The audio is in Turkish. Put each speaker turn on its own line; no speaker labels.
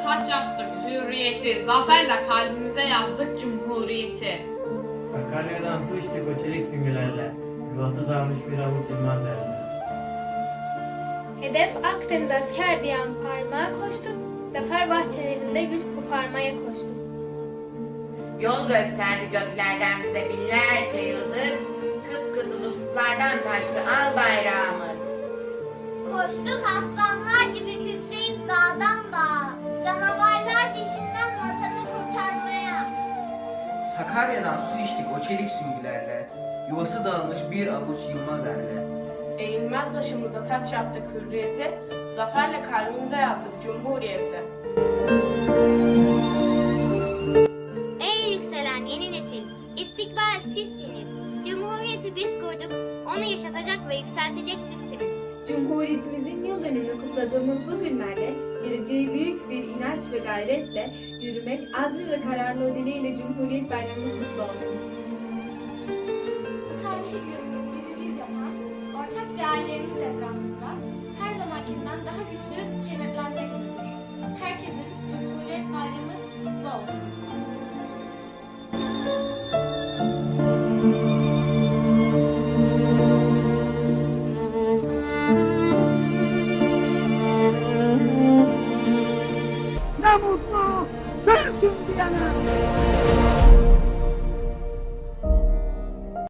taç yaptık hürriyeti, zaferle kalbimize yazdık cumhuriyeti.
Sakarya'dan su içtik o çelik süngülerle, yuvası dağılmış bir avuç yılmaz derler.
Hedef Akdeniz asker diyen parmağa koştuk, zafer bahçelerinde gül koparmaya koştuk.
Yol gösterdi göklerden bize binlerce yıldız, kıpkızıl ufuklardan taştı al bayrağımız.
Koştuk aslanlar gibi kükreyip dağdan dağa, canavarlar dişinden vatanı kurtarmaya.
Sakarya'dan su içtik o çelik süngülerle, yuvası dağılmış bir avuç yılmaz erle.
Eğilmez başımıza taç yaptık hürriyeti, zaferle kalbimize yazdık cumhuriyeti.
Ey yükselen yeni nesil, istikbal sizsiniz. Cumhuriyeti biz kurduk, onu yaşatacak ve yükseltecek sizsiniz.
Cumhuriyetimizin yıl dönümünü kutladığımız bu günlerde geleceği büyük bir inanç ve gayretle yürümek, azmi ve kararlılığı dileğiyle Cumhuriyet Bayramımız kutlu olsun.
Bu tarihi gün bizi biz yapan, ortak değerlerimiz etrafında her zamankinden daha güçlü kenetlenme günüdür. Herkesin Cumhuriyet Bayramı kutlu olsun.
Ne mutlu Türk'üm diyene.